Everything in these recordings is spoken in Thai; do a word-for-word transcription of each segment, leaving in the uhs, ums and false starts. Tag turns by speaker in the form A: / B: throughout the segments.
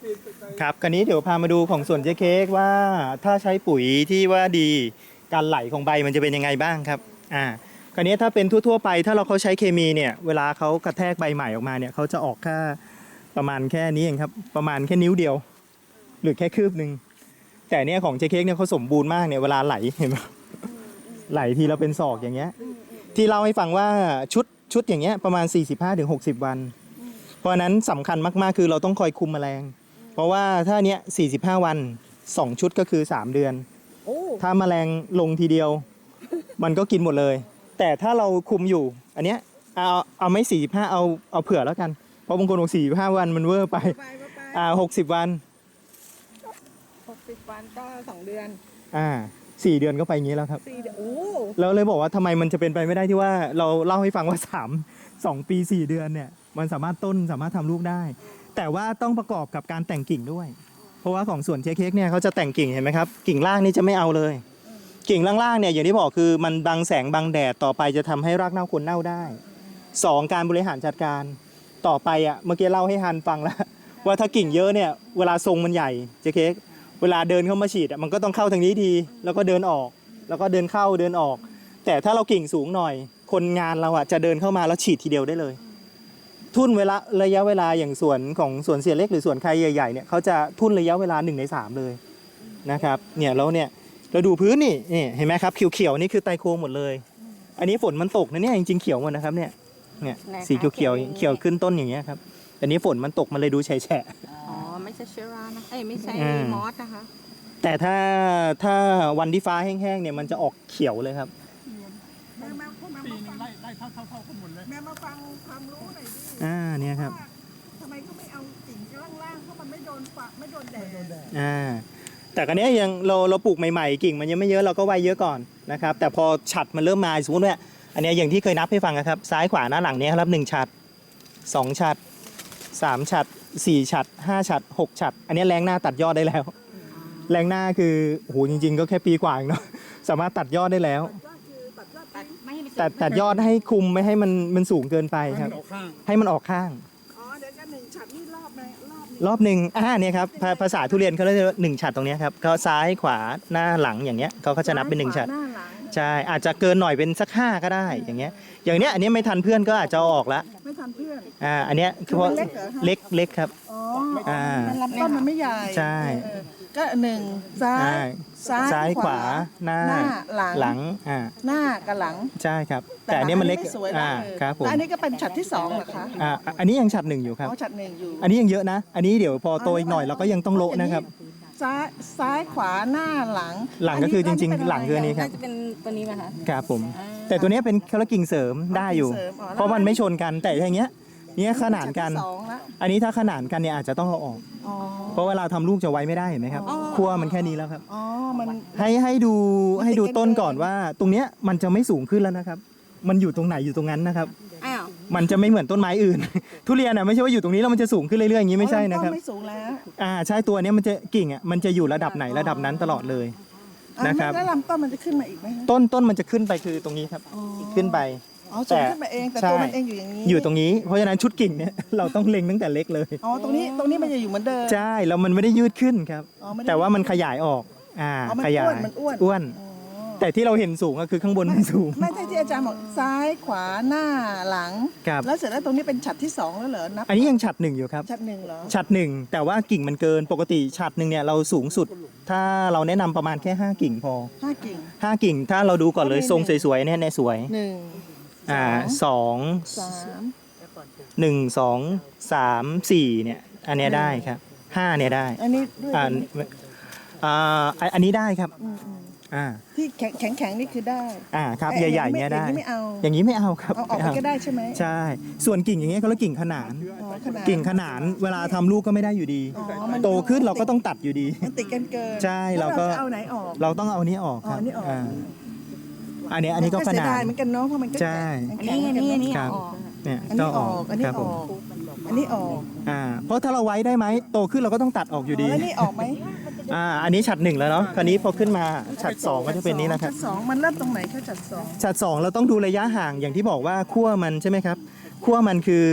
A: ครับคราวนี้เดี๋ยวพามาดูของสวนเจ๊เค้กว่าถ้าใช้ปุ๋ยที่ว่าดีการไหลของใบมันจะเป็นยังไงบ้างครับอ่าคราวนี้ถ้าเป็นทั่วๆไปถ้าเราเขาใช้เคมีเนี่ยเวลาเขากระแทกใบใหม่ออกมาเนี่ยเขาจะออกแค่ประมาณแค่นี้เองครับประมาณแค่นิ้วเดียว หรือแค่คืบหนึ่งแต่เนี่ยของเจ๊เค้กเนี่ยเขาสมบูรณ์มากเนี่ยเวลาไหลเห็นไหมไหลทีเราเป็นศอกอย่างเงี้ยที่เล่าให้ฟังว่าชุดชุดอย่างเงี้ยประมาณ สี่สิบห้าถึงหกสิบ วันเพราะนั้นสำคัญมากๆคือเราต้องคอยคุมแมลงเพราะว่าถ้าเนี้ยสี่สิบห้าวันสองชุดก็คือสามเดือนถ้าแมลงลงทีเดียวมันก็กินหมดเลยแต่ถ้าเราคุมอยู่อันเนี้ยเอาเอาไม่สี่สิบห้าเอาเอาเผื่อแล้วกันเพราะบางคนบอกสี่สิบห้าวันมันเวอร์ไปอ่าหกสิบวัน
B: หกสิบวันก็สองเดือน
A: อ่าสี่เดือนก็ไปอย่างนี้แล้วครับ
B: สี่เดือนโอ้
A: แล้วเลยบอกว่าทำไมมันจะเป็นไปไม่ได้ที่ว่าเราเล่าให้ฟังว่าสามสองปีสี่เดือนเนี่ยมันสามารถต้นสามารถทำลูกได้แต่ว่าต้องประกอบกับการแต่งกิ่งด้วยเพราะว่าของสวนเจ๊เค้กเนี่ยเขาจะแต่งกิ่งเห็นไหมครับกิ่งล่างนี่จะไม่เอาเลยกิ่งล่างๆเนี่ยอย่างที่บอกคือมันบังแสงบังแดดต่อไปจะทำให้รากเน่าโคนเน่าได้สองการบริหารจัดการต่อไปอ่ะเมื่อกี้เล่าให้ฮันฟังแล้วว่าถ้ากิ่งเยอะเนี่ยเวลาทรงมันใหญ่เจ๊เค้กเวลาเดินเข้ามาฉีดมันก็ต้องเข้าทางนี้ดีแล้วก็เดินออกแล้วก็เดินเข้าเดินออกแต่ถ้าเรากิ่งสูงหน่อยคนงานเราอ่ะจะเดินเข้ามาแล้วฉีดทีเดียวได้เลยทุ่นเวลาระยะเวลาอย่างสวนของสวนเสียเล็กหรือสวนใครใหญ่ๆเนี่ยเขาจะทุ่นระยะเวลาหนึ่งในสามเลยนะครับเนี่ยแล้วเนี่ยเราดูพื้นนี่นี่เห็นไหมครับเขียวๆนี่คือไตโคหมดเลยอันนี้ฝนมันตกนะเนี่ยจริงๆเขียวหมดนะครับเนี่ยเนี่ยสีเขียวๆเขียวขึ้นต้นอย่างเงี้ยครับอันนี้ฝนมันตกมันเลยดูแฉะ
B: อ๋อไม่ใช่เชื้อรานะเอ้ยไม่ใช่มอสนะคะ
A: แต่ถ้าถ้าวันที่ฟ้าแห้งๆเนี่ยมันจะออกเขียวเลยครับ
C: แม่มาปีนึงไล่ไล่เท่าเท่าเท่ากันหมดเลยแม่มาฟังความรู้หน่อยดิ
A: อ่าเนี่ยครับ
C: ทำไมเขาไม่เอากิ่งล่างๆเพราะมันไม่โดนฝักไม่โดนแดด
A: อ่าแต่กันนี้ยังเราเราปลูกใหม่ๆกิ่งมันยังไม่เยอะเราก็ไว้เยอะก่อนนะครับแต่พอฉัดมันเริ่มมาสมมติว่าอันนี้อย่างที่เคยนับให้ฟังครับซ้ายขวาหน้าหลังนี้ครับหนึ่งฉัดสองฉัดสามฉัดสี่ฉัดห้าฉัดหกฉัดอันนี้แรงหน้าตัดยอดได้แล้วแรงหน้าคือโหจริงๆก็แค่ปีกว่าเองเนาะสามารถตัดยอดได้แล้วตัดตัดยอดให้คุมไม่ให้มันมันสูงเกินไปครับให้มันออกข้าง
C: อ๋อเดี๋ยวกันหนึ่งฉัดนี่รอบไหนรอบ
A: รอบหนึ่งอ่าเนี่ยครับภาษาทุเรียนเขาเรียกว่าหนึ่งฉัดตรงนี้ครับเขาซ้ายขวาหน้าหลังอย่างเงี้ยเขาก็จะนับเป็นหนึ่งฉัดใช่อาจจะเกินหน่อยเป็นสักห้าก็ได้อย่างเงี้ยอย่างเนี้ยอันนี้ไม่ทันเพื่อนก็อาจจะเอาออกละ
C: ไม่ทันเพื่อน
A: อ่าอันเนี้ยคือว่าเล็กเล็กครับ
C: อ๋ออ่าลำต้นมันไม่ใหญ่
A: ใช่
C: ก็หนึ่งซ้าย
A: ซ้ายขวาหน้า
C: หลัง
A: หลังอ่า
C: หน้ากับหลัง
A: ใช่ครับแต่อันนี้มันเล็กอ่าครับผม
C: อันนี้ก็เป็นฉัดที่สองเหรอคะ
A: อ่าอันนี้ยังฉัดหนึ่งอยู่ครับ
C: อ๋อฉัดหนึ่งอยู่
A: อันนี้ยังเยอะนะอันนี้เดี๋ยวพอโตอีกหน่อยเราก็ยังต้องโละนะครับ
C: ซ้ายซ้ายขวาหน้าหลัง
A: หลังก็คือจริงๆหลังคืออันนี้ครับ
B: จะเป็นตัวนี้ไหมคะ
A: ครับผมแต่ตัวนี้เป็นแค่กิ่งเสริมได้อยู่เพราะมันไม่ชนกันแต่อย่างเงี้ยเนี่ยขนานกันอันนี้ถ้าขนานกันเนี่ยอาจจะต้องเอาออกเพราะเวลาทำลูกจะไว้ไม่ได้เห็นไหมครับขั้วมันแค่นี้แล้วครับให้ให้ดูให้ดูต้นก่อนว่าตรงเนี้ยมันจะไม่สูงขึ้นแล้วนะครับมันอยู่ตรงไหนอยู่ตรงนั้นนะครับมันจะไม่เหมือนต้นไม้อื่นทุเรียนอ่ะไม่ใช่ว่าอยู่ตรงนี้แล้วมันจะสูงขึ้นเรื่อยๆอย่างนี้ไม่ใช่นะครับ
C: ไม่สูงแล้ว
A: อ่าใช่ตัวนี้มันจะกิ่งอ่ะมันจะอยู่ระดับไหนระดับนั้นตลอดเลยนะครับ
C: แล้วลำต้นมันจะขึ้นมาอีกไหม
A: ต้นต้นมันจะขึ้นไปคือตรงนี้ครับขึ้นไป
C: อ๋อจะขึ้นมาเองแต่ตัวมันเองอยู่อย่างนี้
A: อยู่ตรงนี้เพราะฉะนั้นชุดกิ่งเนี่ยเราต้องเล็งตั้งแต่เล็กเลย
C: อ๋อตรงนี้ตรงนี้มันจะอยู่เหมือนเดิม
A: ใช่แล้วมันไม่ได้ยืดขึ้นครับแต่ว่ามันขยายออกอ่าขยาย
C: มันอ้วน
A: อ้วนแต่ที่เราเห็นสูงก็คือข้างบนมันสูง
C: ไม่ใช่ที่อาจารย์บอกซ้ายขวาหน้าหลังแล้วเสร็จแล้วตรงนี้เป็นฉัดที่สองแล้วเหรอนับ
A: อันนี้ยังฉัดหนึ่งอยู่ครับ
C: ฉัดหนึ่งเหรอ
A: ฉัดหนึ่งแต่ว่ากิ่งมันเกินปกติฉัดหนึ่งเนี่ยเราสูงสุดถ้าเราแนะนำประมาณแค่ห้ากิ่งพอ
C: ห้ากิ่ง
A: ห้ากิ่งถ้าเราดูก่อนเลยทรงสวยๆเนี่ยเนี่ยสวย
C: หนึ่ง
A: อ่าสอง
C: สาม
A: หนึ่งสองสามสี่เนี่ยอันนี้ได้ครับห้าเนี่ยได้
C: อันนี้
A: อ่าอ่าอันนี้ได้ครับอ่า
C: ที่แข็งแข็งแข็งนี่คือได้
A: อ่าครับใหญ่ๆเนี้ยได้
C: อย่างนี้ไม่เอา
A: อย่างนี้ไม่เอาครับ
C: เอาออกก็ได้ใช่ไหม
A: ใช่ส่วนกิ่งอย่างเงี้ยเขาเรียกกิ่งขนานกิ่งขนานเวลาทำลูกก็ไม่ได้อยู่ดีโตขึ้นเราก็ต้องตัดอยู่ดี
C: มันติดกันเกิน
A: ใช่เราก็
C: เอาไหนออก
A: เราต้องเอานี้ออกครับอันนี้อันนี้ก็ขนาด
C: เหมือนกันเนาะเพราะมันก็
A: ใช่
B: อันนี้อันนี้อันนี้
A: ออกเนี่ย
C: อันนี้ออกอันนี้ออกอันนี้ออก
A: อ่าเพราะถ้าเราไว้ได้ไหมโตขึ้นเราก็ต้องตัดออกอยู่ดี
C: อันนี้ออกไหม
A: อ่าอันนี้ฉัดหนึ่งแล้วเนาะคราวนี้พอขึ้นมาฉัดสองก็จะเป็นนี้นะครับ
C: ฉัดสองมันเริ่มตรงไหนแค่ฉัดสอง
A: ฉัดสองเราต้องดูระยะห่างอย่างที่บอกว่าขั้วมันใช่ไหมครับขั้วมันคือ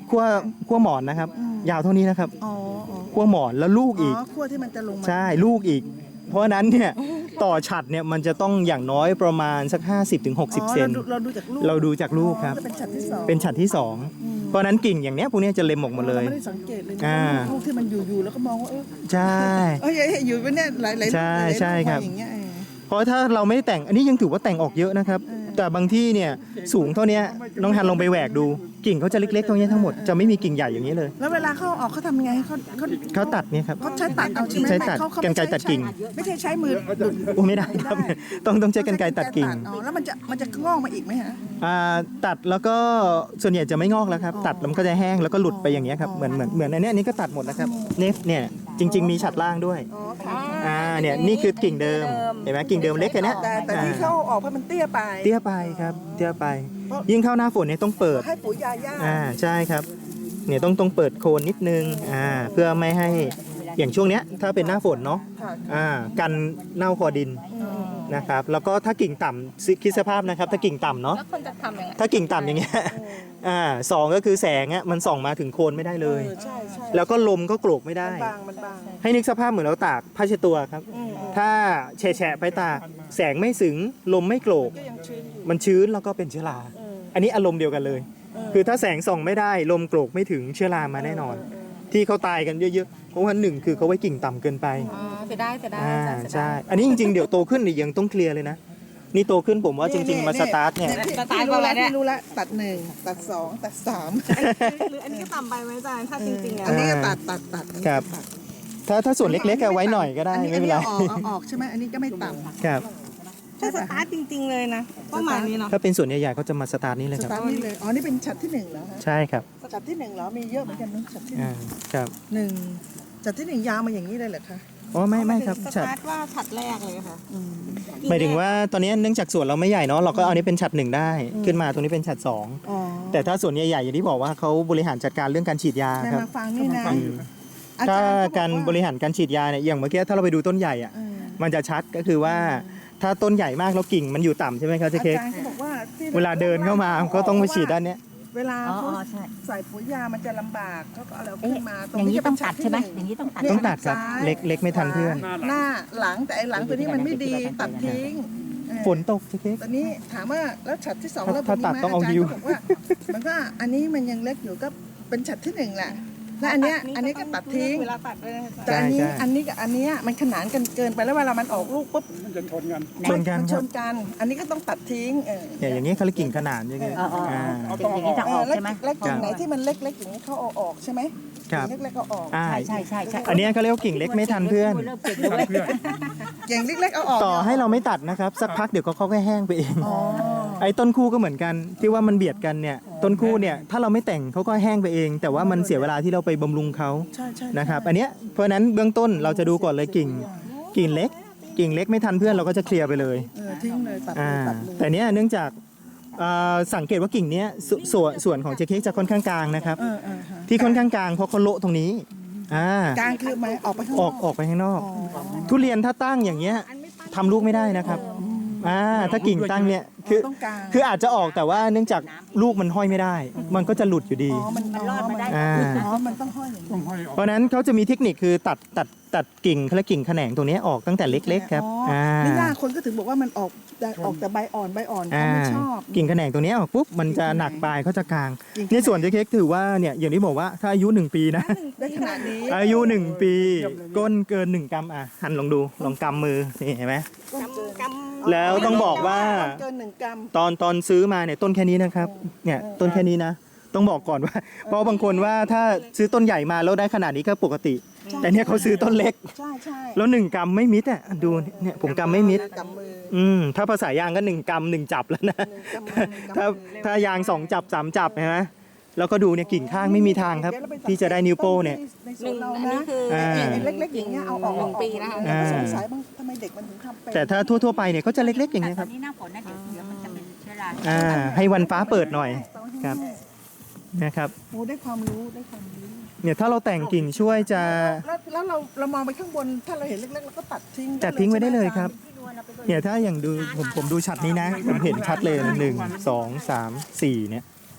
A: ขั้วขั้วหมอนนะครับ ยาวเท่านี้นะครับ
C: อ๋ออ๋อ
A: ขั้วหมอนแล้วลูก
C: อ๋
A: อีก
C: อขั้วที่มันจะลงมา
A: ใช่ลูกอีก เพราะฉะนั้นเนี่ยต่อฉัดเนี่ยมันจะต้องอย่างน้อยประมาณสัก ห้าสิบถึงหกสิบ
C: อ๋อ
A: เซน
C: เราดูเราดูจากลูก
A: เราดูจากลูกครับ
C: อ๋อจะเป็นฉัดที่สอง
A: เป็นฉัดที่สอง
C: อืม
A: เพราะฉะนั้นกิ่งอย่างเนี้ยพวกเนี้ยจะเล็มออกหมดเลย
C: ราไม่ได้สังเกตเลยนะ
A: อ่า
C: ลูกที่มันอยู่ๆแล้วก็มองว่าเออ
A: ใช่
C: เอ้ยอยู่เป็นเนี่ยหลายๆหลายๆ
A: ใช่ใช่ครับ
C: ลูกมาอย่างเงี้ยเออ
A: เพราะถ้าเราไม่ได้แต่งอันนี้ยังถือว่าแต่งออกเยอะนะครับ แต่บางที่เนี่ยสูงเท่าเนี้ยน้องฮันลองไปแหวกดู กิ่งเขาจะเล็กๆเท่านี้ทั้งหมดจะไม่มีกิ่งใหญ่อย่างนี้เลย
C: แล้วเวลาเขาเอาออกเขาทำยังไงเขาเขา
A: เขาตัดเนี่ยครับ
C: เขาใช้ตัดเอาใช่ไหม
A: ใช้ตัด
C: เขาเขา
A: กรรไกรตัดกิ่ง
C: ไม่ใช่ใช้มือดุด
A: โอ้ไม่ได้ครับ ต้องต้องใช้กรรไกรตัดกิ่ง
C: อ๋อแล้วมันจะมันจะงอกมาอีกไหมฮะ
A: อ่าตัดแล้วก็ส่วนใหญ่จะไม่งอกแล้วครับ ตัดแล้วมันก็จะแห้งแล้วก็หลุดไปอย่างเงี้ยครับเหมือนเหมือนเหมือนอันเนี้ยอันนี้ก็ตัดหมดนะครับเนฟเนี่ยจริง ๆ มีฉัดล่างด้วย
C: อ๋อค่ะ
A: อ่าเนี่ยนี่คือกิ่งเดิมเห็นไหมกิ่งเดิมเล็กแค่เนี้ย
C: แต่แต่ที่
A: อ่า
C: เขาเอาออกเพราะมันเตี้ยไป
A: เตี้ยไปครับเตี้ยไป ยิ่งเข้าหน้าฝนเนี่ยต้องเปิด
C: ให้ปุ๋ยยาย่า
A: อ่าใช่ครับเนี่ยต้องต้องเปิดโคนนิดนึงอ่าเพื่อไม่ให้อย่างช่วงเนี้ยถ้าเป็นหน้าฝนเนาะ
C: ค่ะ
A: อ่ากันเน่าคอดิน
C: อืม
A: นะครับแล้วก็ถ้ากิ่งต่ำซิคิดสภาพนะครับถ้ากิ่งต่ำเนาะ
B: แล้วคนจะทำยังไง
A: ถ้ากิ่งต่ำอย่างเงี้ยอ่าสองก็คือแสงอ่ะมันส่องมาถึงโคนไม่ได้เลย
C: เออใช่ใช่
A: แล้วก็ลมก็โกรกไม่ได้
C: มันบางมันบาง
A: ให้นึกสภาพเหมือนเราตากผ้าเช็ดตัวครับ
C: อืมอืม
A: ถ้าแฉะๆไปตากแสงไม่ถึงลมไม่โกรก
C: ก็ยังชื้นอยู่
A: มันชื้นแล้วก็เป็นเชื้อรา
C: เออ
A: อันนี้อารมณ์เดียวกันเลย
C: เออ
A: คือถ้าแสงส่องไม่ได้ลมโกรกไม่ถึงเชื้อรามาแน่นอน ที่เขาตายกันเยอะๆเพราะว่าหนึ่งคือเขาไว้กิ่งต่ำเกินไป
B: อ๋อเสียดายเสียดาย
A: อ่า
B: จ้ะเสียดาย
A: ใช่ อันนี้จริงๆ เดี๋ยวโตขึ้นเนี่ยยังต้องเคลียร์เลยนะ นี่โตขึ้นผมว่าจริง ๆ มาสตาร์ทเนี่ย
C: ที่ที่รู้แล้วที่รู้แล้วตัดหนึ่งตัดสองตัดสาม
B: หรืออันนี้ก็ต่ำไปไหมอาจารย์ถ้าจริงๆอ่ะ
C: อันนี้ก็ตัดตัดตัด
A: ครับ ถ้าถ้าส่วนเล็กๆเอาไว้หน่อยก็ได้
C: อั
A: ไม่เป็นไร
C: อัเอาออกเอาออกใช่ไหมอันนี้ก็ไม่ต่ำ
A: ครับ
B: ถ้าสตาร์ทจริง ๆ เลยนะประมาณนี้เนาะ
A: ถ้าเป็นส่วนใหญ่ๆเขาจะมาสตาร์ทนี้เลย
C: ส
A: ครับ
C: ตาร์ทนี่เลยอ๋อนี่เป็นฉัดที่หนึ่งเหรอฮะ
A: ใช่ครับ
C: ฉัดที่หนึ่งเหรอมีเยอะเหมือนกันนะฉัดที่หนึ่
A: อ่าง ครับ
C: หนึ่งฉัดที่หนึ่งยาวมาอย่างนี้เลยเหรอคะ
A: อ๋อไม่ไม่ครับ
B: ส
A: ฉัด
B: ตาร์ทว่าฉัดแรกเลยค่ะ
C: อืม
A: หมายถึงว่าตอนนี้เนื่องจากส่วนเราไม่ใหญ่เนาะเราก็เอานี้เป็นฉัดหนึ่งได้ ขึ้นมาตรงนี้เป็นฉัดสอง
C: อ๋อ
A: แต่ถ้าส่วนใหญ่ๆอย่างที่บอกว่าเขาบริหารจัดการเรื่องการฉีดยา
C: แม่
A: ครับ
C: มาฟังนี่นะ
A: อืม
C: อา
A: ถ้า
C: จารย์
A: การบริหารการฉีดยาเนี่ยอย่างเมื่อกี้ถ้าเราไปดูต้นใหญ่อะ
C: เออ
A: มันจะชัดก็คือว่าถ้าต้นใหญ่มากแล้วกิ่งมันอยู่ต่ำใช่ไหมครับเจ๊
C: อา
A: เค้ก
C: จารย์เขาบอกว่าที่
A: เวลาเดินเข้ามาก็ต้องไปฉีดด้านเนี้ย
C: เวลา
D: อ๋อ
C: เขา
D: อ๋อใช่
C: ใส่ปุ๋ยยามันจะลำบากเขาก็เอาเรา
D: เอ๊ะ
C: ขึ้นมาตรง
D: อย่างนี้
C: จะ
D: ต้อง
C: เป็น
D: ตัดใช่ไหม
C: ชั้น
D: อย่างนี้ต้องตัด
C: ที่
A: ต้องตัดครับ
C: ซ้าย
A: เล็กเล็กไม่ทันเพื่อน
C: หน้าหลังแต่ไอ้หลังตัวนี้มันไม่ดีตัดทิ้งเออ
A: ฝนตกเจ๊เค้ก
C: ตอนนี้ถามว่าแล้วฉัดที่สอง
A: ถ้า
C: แล้ว
A: ถ้าตัดต้องเอาฮิว
C: จรย์ก็บอกว่ามันก็อันนี้มันยังเล็กอยู่ก็เป็นฉัดที่หนึ่งแหละและอันเนี้ยอันนี้ก็ตัดทิ้ง
B: เวลาตัดด้วยนะอาจารย์
C: แต่อันนี้อันนี้กับอันเนี้ยมันขนานกันเกินไปแล้วเวลามันออกลูกปุ๊บ
A: ชนกัน
C: มัน
A: ค
C: ช
A: รับ
C: นกัน อันนี้ก็ต้องตัดทิ้งเออ
A: เนี่ยอย่างนี้เขาเรียกกิ่งขนานใช่ไหม
D: อ๋ออ๋ออ๋
A: อ่า
D: ออย่างนี้จะออก
C: แล้ว
D: ใช่ไหม
C: แล้วกิ่งไหนที่มันเล็กๆอย่างนี้เขาเอาออกใช่ไหม
A: ครับ
C: กิ่งเล็กๆเอาออก
A: อ่า
D: ใช่ใช่ใช่ใช่
A: อันเนี้ยเขาเรียกว่ากิ่งเล็กไม่ทันเพื่อน
D: เริ่มเก่งแล้วเว้ย
C: กิ่งเล็กๆเอาออก
A: ต่อให้เราไม่ตัดนะครับ สักพักเดี๋ยวเขาค่อยๆแห้งไปเอง
C: อ๋อ
A: ไอ้ต้นคู่ก็เหมือนกันที่ว่ามันเบียดกันเนี่ยต้นคู่เนี่ยถ้าเราไม่แต่งเขาก็แห้งไปเอง แต่ว่ามันเสียเวลาที่เราไปบำรุงเขา
C: ใช่ใช่
A: นะครับอันเนี้ยเพราะฉะนั้นเบื้องต้นเราจะดูก่อนเลยกิ่งกิ่งเล็ก กิ่งเล็กไม่ทันเพื่อนเราก็จะเคลียร์ไปเลย
C: เออทิ้งเลยตัดเล
A: อ่าย
C: ตัดเลย
A: แต่เนี้ยเนื่องจากอ่าสังเกตว่ากิ่งเนี้ยสส่วนส่วนของเจเค้กจะค่อนข้างกลางนะครับ
C: เออเออฮะ
A: ที่ค่อนข้างกลางเพราะเขาโละตรงนี้อ่าก
C: ลางคือไหมออกไปข้างน
A: อ
C: อ
A: อก กออกไปข้างนอก
C: อ๋อ
A: ทุเรียนถ้าตั้งอย่างเงี้ยทำลูกไม่ได้นะครับอ่าถ้ากิ่งตั้งเนี่ยคือ
C: ต้องกลาง
A: คืออาจจะออกแต่ว่าเนื่องจากลูกมันห้อยไม่ได้ มันก็จะหลุดอยู่ดี
C: อ๋อมัน
D: มันรอดมาได้
A: อ่า
C: อ๋อมันต้องห้อยอย่างนี้
A: เพราะฉะนั้นเขาจะมีเทคนิคคือตัดตัดตัดกิ่งเขาเรียกกิ่งแขนงตรงนี้ออกตั้งแต่เล็กๆครับ
C: อ๋อ
A: อ่า
C: นี่น่าคนก็ถึงบอกว่ามันออกแต่ออกแต่ใบอ่อนใบอ่อนเขา
A: อ่า
C: ไม่ชอบ
A: กิ่งแขนงตรงนี้ออกปุ๊บมันจะหนักปลายเขาจะกลาง
C: กิ่ง
A: ในส่วนเจ๊เค้กถือว่าเนี่ยอย่างที่บอกว่าถ้าอายุหนึ่งปีนะ
C: ได้ขนาดนี้
A: อายุหนึ่งปี ก้นเกินหนึ่งกรัมอ่ะหันลองดูลองกำมือนี่เห็นไหม
C: ต้นเกิน
B: กำ
A: แล้วต้องบอกว่า
C: เกินหนึ่งกรัม
A: ตอนตอนซื้อมาเนี่ยต้นแค่นี้นะครับเนี่ยต้นแค่นี้นะ ต้องบอกก่อนว่า เพราะบางคนว่าถ้าซื้อต้นใหญ่มาแล้วได้ขนาดนี้ก็ปกติ แต่เนี่ยเขาซื้อต้นเล็ก
C: ใช่ใช่
A: แล้วหนึ่งกรัมไม่มิดอ่ะดูเนี่ยผมกรัมไม่มิด
C: กำมือ
A: อืมถ้าภาษายางก็หนึ่งกรัมหนึ่งจับแล้วนะ
C: หนึ่งกำมือหนึ่งกำมือ
A: ถ้าถ้ายางสองจับสามจับเห็นไหมแล้วก็ดูเนี่ยกิ่งข้างไม่มีทางครับ ที่จะได้นิ้วโป้เนี่ย
C: ในส
B: ห
C: ว
B: นึ่
C: น
B: ง
C: เรา
B: อันนี้
C: นะ
B: คือ
A: อ่า
C: ไอ้เล็กๆอย่างเงี้ยเอาออก
B: หนึ่งปีนะคะ
C: เราก็สงสัยบางทำไมเด็กมันถึงทำเป็น
A: แต่ถ้าทั่วๆไปเนี่ยเขาจะเล็กๆอย่าง
D: แต่
A: เงี้ย
D: ต
A: ค
D: อ
A: รั
D: น
A: บ
D: นี้หน้าฝนนะเดี๋ยวเดี๋ยวมันจะเป็นเชื้อรา
A: อ่าให้วันฟ้าเปิดหน่อยครับนะครับ
C: โอ้ได้ความรู้ได้ความรู้
A: เนี่ยถ้าเราแต่งกิ่งช่วยจะ
C: แล้วแล้วเราเรามองไปข้างบนถ้าเราเห็นเล็กๆเราก็ตัดทิ้ง
A: จัดทิ้งไว้ได้เลยครับ
D: พี่นวลเอาไป
A: เนี่ยถ้าอย่างดูผมผมดูชัดนี้นะผมเห็นชัดเลยหนึ่งสองสามสี่เนี่ย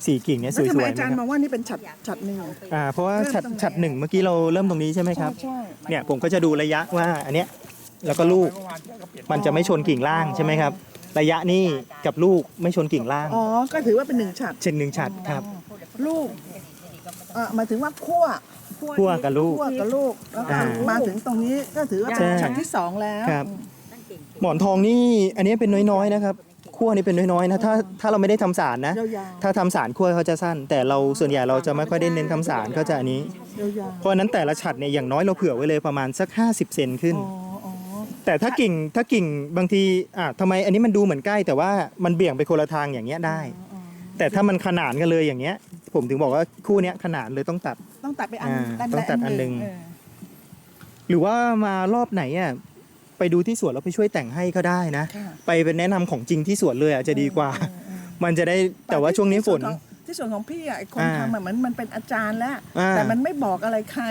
A: สี่กิ่งเนี่ยส
C: แล้ว
A: วย
C: ทำไม
A: ๆ
C: อาจารย์
A: นะ
C: ม
A: ค
C: อ
A: รับ
C: งว่านี่เป็นฉัดฉัดหนึ่ง
A: อ่าเพราะว่า
C: เริ่ม
A: ฉัด
C: ตรงไหน
A: ฉัดหนึ่งเมื่อกี้เราเริ่มตรงนี้ใช่ไหมครับ
C: ใช่
A: เนี่ยผมก็จะดูระยะว่าอันเนี้ยแล้วก็ลูกมันจะไม่ชนกิ่งล่างใช่ไหมครับ ระยะนี่กับลูกไม่ชนกิ่งล่าง
C: อ๋อก็ถือว่าเป็นหนึ่งฉัด
A: เช่นหนึ่งฉัดครับ
C: ลูกเออหมายถึงว่าคั่ว
A: คั่วกับลูก
C: คั่วกับลูกแล้วก็
A: อ่า
C: มาถึงตรงนี้ก็ถือว่า
A: ใช่
C: เป็นฉัดที่สองแล้ว
A: ครับ หมอนทองนี่อันนี้เป็นน้อยๆนะครับคั่วนี่เป็นน้อยๆนะถ้าถ้าเราไม่ได้ทำสารนะ
C: ยาว
A: ถ้าทำสารคั่วเขาจะสั้น แต่เราส่วนใหญ่เราจะไม่ค่อยได้เน้นทำสารก็จะอันนี้
C: ๆยาว
A: เพราะฉะนั้นแต่ละฉัดเนี่ยอย่างน้อยเราเผื่อไว้เลยประมาณสักห้าสิบเซนขึ้น
C: ๆอ๋ออ๋อ
A: แต่ถ้ากิ่งถ้ากิ่งบางทีอ่ะทำไมอันนี้มันดูเหมือนใกล้ แต่ว่ามันเบี่ยงไปคนละทางอย่างเงี้ยได้
C: อ๋อ
A: แต่ถ้ามันขนานกันเลยอย่างเงี้ย ผมถึงบอกว่าคู่เนี้ยขนานเลยต้องตัด
C: ต้องตัดไปอัน
A: อ่า
C: ด้าน
A: ต้องตัดอันหนึ่ง
C: เออ
A: หรือว่ามารอบไหนอ่ะไปดูที่สวนแล้วไปช่วยแต่งให้ก็ได้นะ
C: ค่ะ
A: ไปเป็นแนะนำของจริงที่สวนเลยอ่ะจะดีกว่า
C: เออเออ
A: มันจะได้แต่ว่าช่วงนี้ฝน
C: ที่ส่วนของพี่อ่ะไอ้คน
A: อ่า
C: ทำอะเหมือนมันเป็นอาจารย์แล้ว
A: อ่า
C: แต่มันไม่บอกอะไรใคร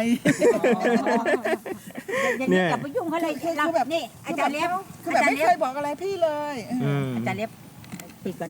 D: อย่างนี้อย่าไปยุ่งเขาเลย
C: คือ
D: เรา
C: แบบ
D: นี่อาจารย์เล็บ
C: คือแบบ
D: อาจาร
C: ไม่
D: ย์
C: เค
D: เล็
C: ย
D: บ
C: บอกอะไรพี่เลย
A: อืม
D: อาจารย์เล็บปิดก่อน